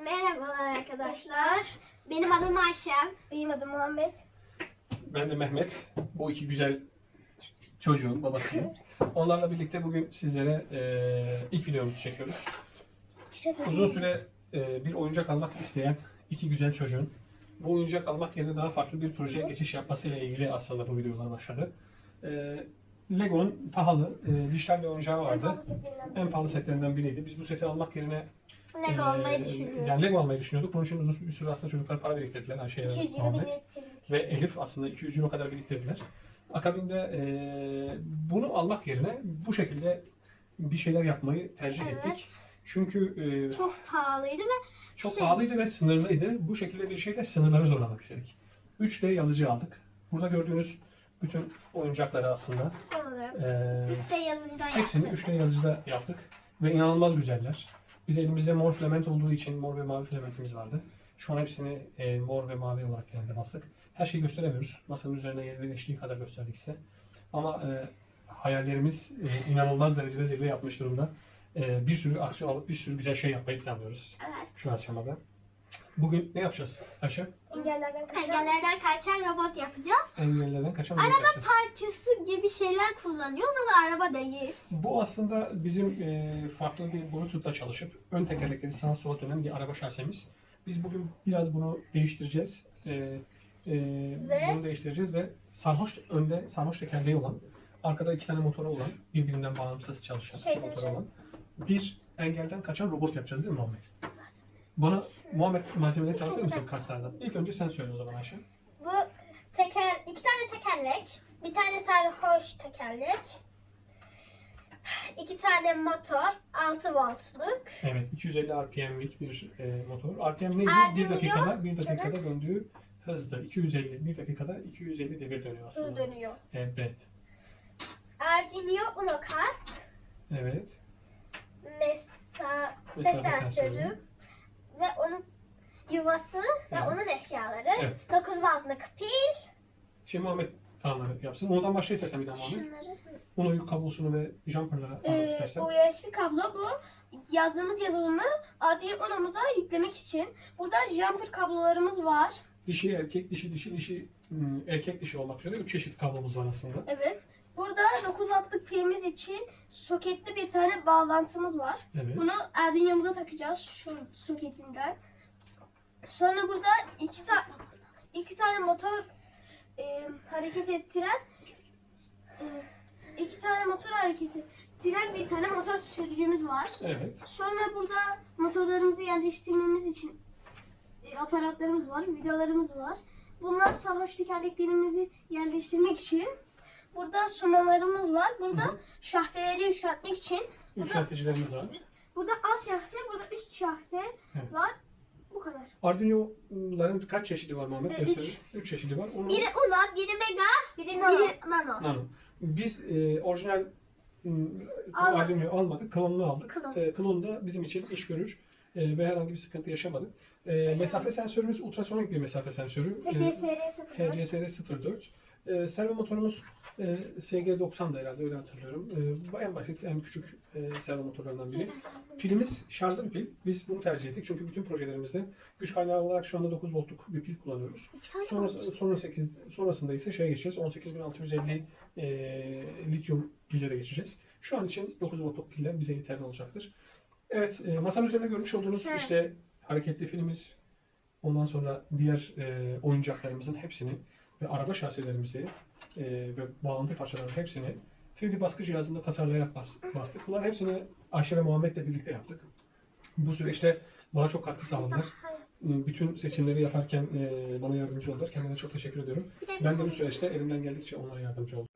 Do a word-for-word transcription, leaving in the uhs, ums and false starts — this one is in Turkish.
Merhabalar arkadaşlar. Benim adım Ayşem. Benim adım Muhammed. Ben de Mehmet. Bu iki güzel çocuğun babasıyım. Onlarla birlikte bugün sizlere e, ilk videomuzu çekiyoruz. Uzun süre e, bir oyuncak almak isteyen iki güzel çocuğun bu oyuncak almak yerine daha farklı bir projeye geçiş yapmasıyla ilgili aslında bu videolar başladı. E, Lego'nun pahalı, e, dijital bir oyuncağı vardı. En pahalı setlerinden biriydi. Biz bu seti almak yerine Lego almayı e, düşünüyorum. yani Lego almayı düşünüyorduk. Bunun için uzun bir süre aslında çocuklar para biriktirdiler. Ayşe'ye iki yüz euro Muhammed. biriktirdik. Ve Elif aslında iki yüz euro kadar biriktirdiler. Akabinde e, bunu almak yerine bu şekilde bir şeyler yapmayı tercih Evet. ettik. Çünkü e, çok, Çok pahalıydı ve çok şey- pahalıydı ve sınırlıydı. Bu şekilde bir şeyle sınırları zorlamak istedik. üç D yazıcı aldık. Burada gördüğünüz bütün oyuncakları aslında e, üç D yazıcıdan hepsini yaptım. üç D yazıcıda yaptık. Ve inanılmaz güzeller. Biz elimizde mor filament olduğu için mor ve mavi filamentimiz vardı. Şu an hepsini e, mor ve mavi olarak yerine bastık. Her şeyi gösteremiyoruz. Masanın üzerine yerleştiği kadar gösterdik size. Ama e, hayallerimiz e, inanılmaz derecede zirve yapmış durumda. E, bir sürü aksiyon alıp bir sürü güzel şey yapmayı planlıyoruz Evet. şu aşamada. Bugün ne yapacağız Ayşe? Engellerden kaçan. Engellerden kaçan robot yapacağız. Engellerden kaçan robot yapacağız. Parçası gibi şeyler kullanıyoruz ama araba değil. Bu aslında bizim e, farklı bir Bluetooth'la çalışıp ön tekerlekleri sağa sola dönen bir araba şasemiz. Biz bugün biraz bunu değiştireceğiz. E, e, Ve? Bunu değiştireceğiz ve sarhoş önde sarhoş tekerleği olan, arkada iki tane motoru olan, birbirinden bağımsız çalışan iki Şeyden motoru şey. olan bir engelden kaçan robot yapacağız değil mi Muhammed? Bana Muhammed malzemeleri tanıtır mısın ben- kartlardan? İlk önce sen söyle o zaman Ayşe. Bu teker, iki tane tekerlek, bir tane sarhoş tekerlek, iki tane motor, altı voltluk. Evet, iki yüz elli R P M'lik bir e, motor. R P M neydi? R P M Bir dakikada, bir dakikada döndüğü hızdı. iki yüz elli, bir dakikada iki yüz elli devir dönüyor aslında. Hız dönüyor. Evet, Arduino Uno kart, evet. mesafe Mesafe sensörü sensörü. ve onun yuvası ve Evet. onun eşyaları. Evet. dokuz voltluk pil. Şimdi Muhammed tamamları yapsın. Ondan başla istersen bir daha Muhammed. Şunları. Onu kablosunu ve jumper'lara anlat Ee, istersen. U S B kablo bu. Yazdığımız yazılımı Arduino Uno'muza yüklemek için. Burada jumper kablolarımız var. Dişi erkek, dişi dişi dişi ım, erkek dişi olmak üzere üç çeşit kablomuz var aslında. Evet. Burada dokuz wattlık pilimiz için soketli bir tane bağlantımız var. Evet. Bunu Arduino'muza takacağız şu soketinden. Sonra burada iki, ta iki tane motor e, hareket ettiren e, iki tane motor hareket ettiren bir tane motor sürücümüz var. Evet. Sonra burada motorlarımızı yerleştirmemiz için e, aparatlarımız var, vidalarımız var. Bunlar sarhoş tekerleklerimizi yerleştirmek için. Burada sunalarımız var. Burada Hı hı. şahseleri yükseltmek için. Yükselticilerimiz var. Burada alt şahse, burada üst şahse Evet. var. Bu kadar. Arduino'ların kaç çeşidi var Muhammed? Ee, Gösterin. üç. Üç çeşidi var. Onu... Biri Uno, biri Mega, Biri nano. biri Nano. Nano. Biz e, orijinal m, Almadık. Arduino'yu almadık, klonunu aldık. Klon. E, klon da bizim için iş görür e, ve herhangi bir sıkıntı yaşamadık. E, mesafe sensörümüz ultrasonik bir mesafe sensörü. T C S R sıfır. T C S R sıfır dört. E, servo motorumuz e, S G doksan'da herhalde öyle hatırlıyorum. E, bu en basit, en küçük e, servo motorlarından biri. Pilimiz şarjlı bir pil. Biz bunu tercih ettik çünkü bütün projelerimizde güç kaynağı olarak şu anda dokuz voltluk bir pil kullanıyoruz. İki tane Sonra, var. sonra sekiz, sonrasında ise şeye geçeceğiz. on sekiz bin altı yüz elli e, lityum pillere geçeceğiz. Şu an için dokuz voltluk piller bize yeterli olacaktır. Evet, e, masanın üzerinde görmüş olduğunuz Evet. işte hareketli filmimiz, ondan sonra diğer e, oyuncaklarımızın hepsini ve araba şasilerimizi e, ve bağlantı parçalarının hepsini üç D baskı cihazında tasarlayarak bas, bastık. Bunların hepsini Ayşe ve Muhammed'le birlikte yaptık. Bu süreçte bana çok katkı sağladılar. Bütün seçimleri yaparken e, bana yardımcı oldular. Kendilerine çok teşekkür ediyorum. Bir de Ben de bu süreçte elimden geldikçe onlara yardımcı oldum.